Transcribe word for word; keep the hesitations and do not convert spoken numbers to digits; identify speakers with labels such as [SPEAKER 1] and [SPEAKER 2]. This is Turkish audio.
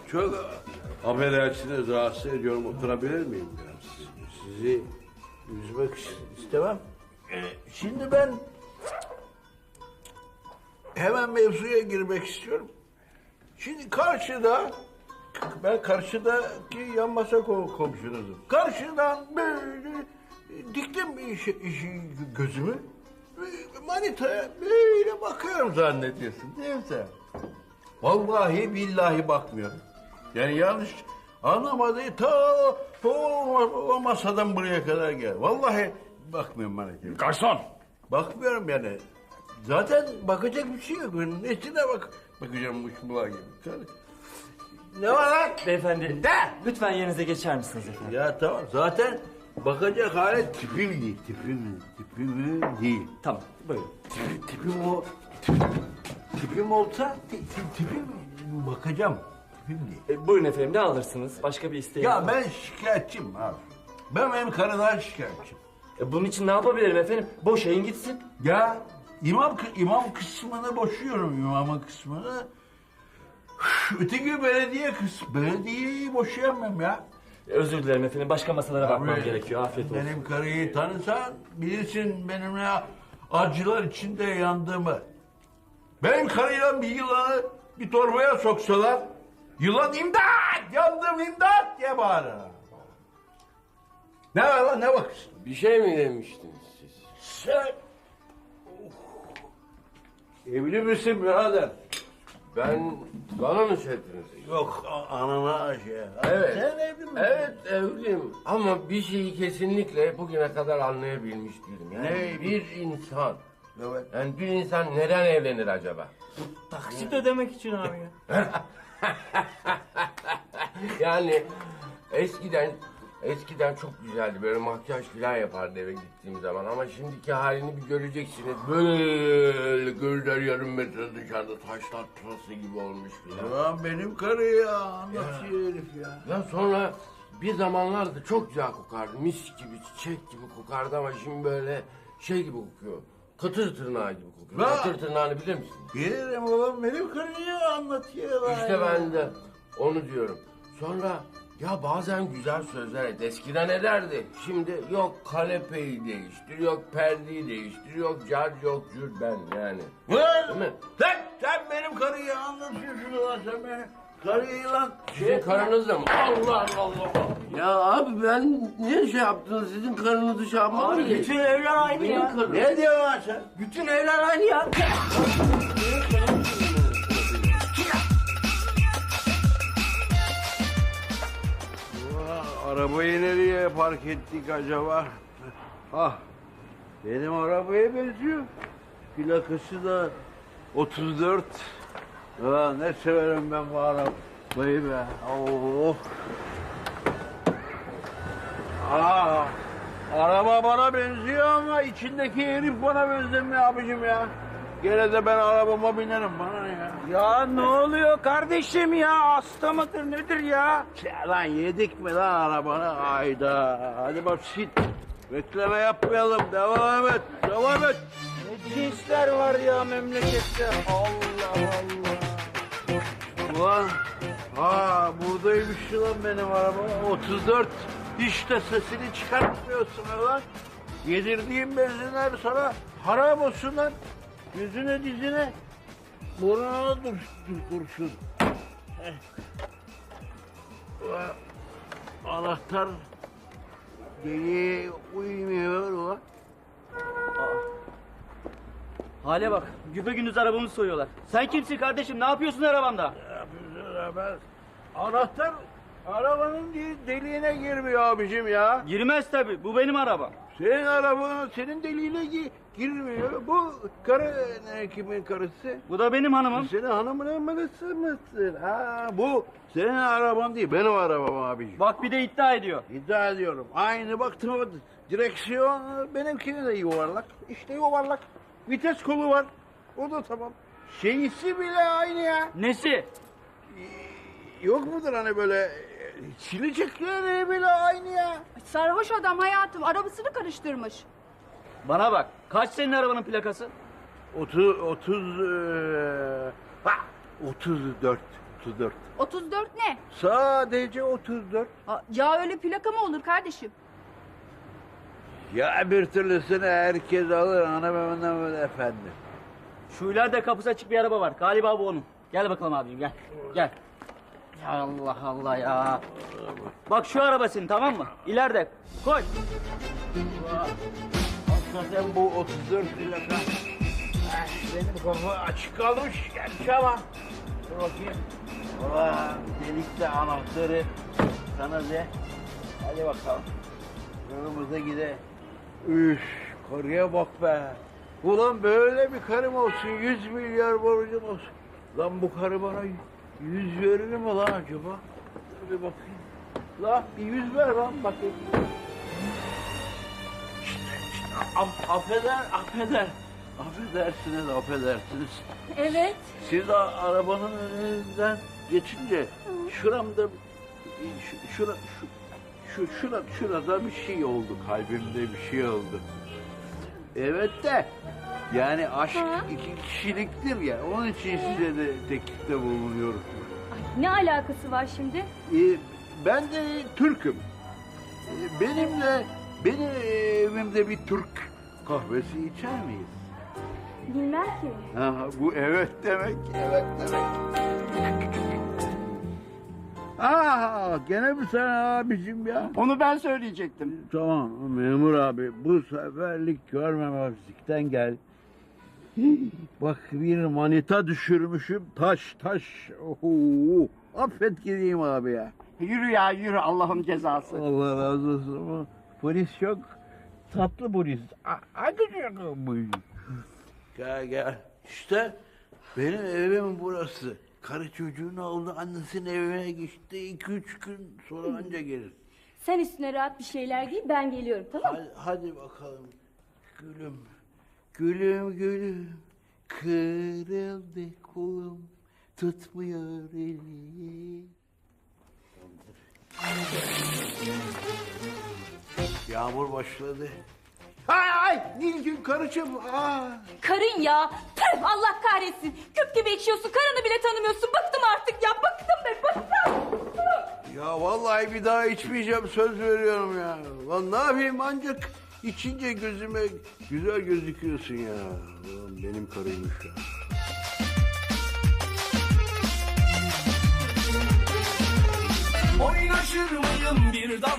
[SPEAKER 1] çok affedersiniz, rahatsız ediyorum. Oturabilir miyim biraz? Sizi üzmek istemem. Ee, Şimdi ben hemen mevzuya girmek istiyorum. Şimdi karşıda, ben karşıdaki yan masa kom- komşunuzum. Karşıdan böyle diktim işi, işi gözümü. Manitaya böyle bakıyorum zannediyorsun değil mi sen? Vallahi billahi bakmıyorum. Yani yanlış anlamadı. Ta o, o masadan buraya kadar gel. Vallahi bakmıyorum manitaya.
[SPEAKER 2] Garson!
[SPEAKER 1] Bakmıyorum yani. Zaten bakacak bir şey yok. Nesine bak bakacağım bu şumula gibi. Ne var lan?
[SPEAKER 3] Beyefendi,
[SPEAKER 1] De!
[SPEAKER 3] lütfen yerinize geçer misiniz efendim?
[SPEAKER 1] Ya tamam zaten bakacak hale tipim değil. Tipim, tipim değil.
[SPEAKER 3] Tamam, buyurun.
[SPEAKER 1] Tip- Tipim o... Tipim olsa ti- ti- tipim bakacağım. Tipim değil.
[SPEAKER 3] E, buyurun efendim, ne alırsınız? Başka bir isteğiniz
[SPEAKER 1] Ya
[SPEAKER 3] var?
[SPEAKER 1] ben şikayetçiyim abi. Ben benim karıdan şikayetçiyim.
[SPEAKER 3] E, bunun için ne yapabilirim efendim? Boşayın gitsin.
[SPEAKER 1] Ya imam imam kısmını boşuyorum, imamın kısmını. Üf, Öteki belediye kısmı. Belediyeyi boşayamam ya.
[SPEAKER 3] E, özür dilerim efendim, başka masalara bakmam
[SPEAKER 1] Abi,
[SPEAKER 3] gerekiyor. Afiyet olsun.
[SPEAKER 1] Benim karıyı tanısan bilirsin benimle acılar içinde yandığımı. Benim karıyla bir yılanı bir torbaya soksalar, yılan imdat, yandım imdat diye bağırır. Ne var lan, ne bakıyorsun?
[SPEAKER 4] Bir şey mi demiştiniz siz?
[SPEAKER 1] Sen... Evli misin birader?
[SPEAKER 4] Ben bana mı çektiniz?
[SPEAKER 1] Yok, a- anana şey.
[SPEAKER 4] Evet.
[SPEAKER 1] Sen evli misin?
[SPEAKER 4] Evet evliyim ama bir şeyi kesinlikle bugüne kadar anlayabilmiş değilim. Yani
[SPEAKER 1] Ne?
[SPEAKER 4] bir insan,
[SPEAKER 1] Evet.
[SPEAKER 4] yani bir insan neden evlenir acaba?
[SPEAKER 3] Taksit ödemek için abi ya.
[SPEAKER 4] Yani eskiden eskiden çok güzeldi, böyle makyaj falan yapardı eve gittiğim zaman ama şimdiki halini bir göreceksiniz. Böyle gözler yarım metre dışarıda taşlar pırası gibi olmuş falan.
[SPEAKER 1] Ulan benim karı ya, anlatıyor herif ya.
[SPEAKER 4] Ya sonra bir zamanlarda çok güzel kokardı. Mis gibi, çiçek gibi kokardı ama şimdi böyle şey gibi kokuyor. Kıtır tırnağı gibi kokuyor.
[SPEAKER 1] Ha!
[SPEAKER 4] Kıtır tırnağını bilir misin?
[SPEAKER 1] Bilirim oğlum, benim karıyı anlatıyor.
[SPEAKER 4] İşte ben de onu diyorum. Sonra ya bazen güzel sözler et. Eskiden ederdi. Şimdi yok kanepeyi değiştir, yok perdeyi değiştir, yok car yok cür ben yani. Değil mi?
[SPEAKER 1] Sen, sen benim karıyı anlatıyorsun ulan, sen benim karıyı lan.
[SPEAKER 4] Sizin karınız da mı? Allah Allah. Ya abi ben niye şey yaptınız? Sizin karınızı şey yapmam ki.
[SPEAKER 3] Bütün evler aynı
[SPEAKER 4] Benim
[SPEAKER 3] ya.
[SPEAKER 4] karım.
[SPEAKER 1] Ne diyorsun lan sen?
[SPEAKER 3] Bütün evler aynı ya.
[SPEAKER 1] Ulan, arabayı nereye park ettik acaba? Ah, benim arabaya benziyor. Plakası da otuz dört. Ulan ne severim ben bu arabayı be. Oh. Aa, araba bana benziyor ama içindeki herif bana benzemiyor abicim ya. Gene de ben arabama binerim, bana ne ya?
[SPEAKER 2] Ya ne oluyor kardeşim ya? Hasta mıdır nedir ya?
[SPEAKER 1] Ya lan yedik mi lan arabanı? Hayda. Hadi basit. Bekleme yapmayalım. Devam et. Devam et.
[SPEAKER 2] Ne cinsler var ya memlekette? Allah Allah.
[SPEAKER 1] Ulan. Ha buradaymış lan benim araba. otuz dört. Hiç de sesini çıkartmıyorsun lan. Yedirdiğim benzinler sana haram olsun lan. Yüzüne dizine. Burnuna dur, dur kurşun. Eh. Ulan, anahtar deliğe uymuyor ulan.
[SPEAKER 5] Hale bak, güpegündüz arabamı soyuyorlar. Sen kimsin kardeşim, ne yapıyorsun arabamda?
[SPEAKER 1] Ne yapıyorsun ben? Anahtar arabanın de- deliğine girmiyor abicim ya.
[SPEAKER 5] Girmez tabii, bu benim arabam.
[SPEAKER 1] Senin arabanın senin deliğine gi- girmiyor. Bu karı ne, kimin karısı?
[SPEAKER 5] Bu da benim hanımım.
[SPEAKER 1] Senin hanımın manısı mısın? Ha bu senin araban değil, benim arabam abicim.
[SPEAKER 5] Bak bir de iddia ediyor.
[SPEAKER 1] İddia ediyorum. Aynı baktım, direksiyon benimkinin de yuvarlak. İşte yuvarlak. Vites kolu var. O da tamam. Şeysi bile aynı ya.
[SPEAKER 5] Nesi?
[SPEAKER 1] Yok mudur hani böyle silecekleri bile aynı ya.
[SPEAKER 6] Sarhoş adam hayatım arabasını karıştırmış.
[SPEAKER 5] Bana bak, kaç senin arabanın plakası?
[SPEAKER 1] Otuz, otuz, eee, ha, otuz dört. otuz dört.
[SPEAKER 6] otuz dört ne?
[SPEAKER 1] Sadece otuz dört.
[SPEAKER 6] Aa, ya öyle plaka mı olur kardeşim?
[SPEAKER 1] Ya bir türlüsünü herkes alır hanımefendi efendi.
[SPEAKER 5] Şu ileride kapısı açık bir araba var. Galiba bu onun. Gel bakalım abicim gel. Gel. Ya Allah Allah ya. Bak şu araba senin tamam mı? İleride. Koş.
[SPEAKER 1] Hakikaten bu otuz dört plaka. Ah, benim kafa açık kalmış gelmiş ama. Dur bakayım. Ulan delikli anahtarı sana de. Hadi bakalım. Yolumuza gidelim. Üf, karıya bak be. Ulan böyle bir karım olsun, yüz milyar borcum olsun. Lan bu karı bana yüz verir mi lan acaba? Dur bir bakayım. Lan bir yüz ver lan bakayım. Af, affeder, affeder. Affedersiniz, affedersiniz.
[SPEAKER 6] Evet.
[SPEAKER 1] Siz de arabanın önünden geçince şuramda, şu, şura, şu, şu, şura, şurada bir şey oldu, kalbimde bir şey oldu. Evet de, yani aşk
[SPEAKER 6] Ha?
[SPEAKER 1] iki kişiliktir ya, onun için size de teklifte bulunuyorum.
[SPEAKER 6] Ne alakası var şimdi?
[SPEAKER 1] Ee, ben de Türk'üm. Ee, benimle, benim evimde bir Türk kahvesi içer miyiz?
[SPEAKER 6] Bilmem ki.
[SPEAKER 1] Ha, bu evet demek, evet demek. Aa, gene mi sen abicim ya?
[SPEAKER 2] Onu ben söyleyecektim.
[SPEAKER 1] Tamam memur abi, bu seferlik görmemezlikten gel. Bak bir manita düşürmüşüm, taş taş. Oho, affet gideyim abi ya.
[SPEAKER 2] Yürü ya yürü Allah'ın cezası.
[SPEAKER 1] Allah razı olsun ama polis çok tatlı polis. A- Hadi canım bu. Gel gel. İşte benim evim burası. Karı çocuğunu aldı, annesinin evine geçti. İki üç gün sonra anca gelir.
[SPEAKER 7] Sen üstüne rahat bir şeyler giy, ben geliyorum, tamam mı?
[SPEAKER 1] Hadi, hadi bakalım. Gülüm, gülüm gülüm. Kırıldı kolum, tutmuyor eli. Yağmur başladı. Ay ay Nilgün karıcığım. Aa.
[SPEAKER 7] Karın ya! Püh, Allah kahretsin! Küp gibi ekşiyorsun, karını bile tanımıyorsun. Bıktım artık ya, bıktım be, bıktım!
[SPEAKER 1] Ya vallahi bir daha içmeyeceğim söz veriyorum ya. Lan ne yapayım ancak içince gözüme güzel gözüküyorsun ya. Ulan benim karıymış ya.
[SPEAKER 8] Oynaşır mıyım bir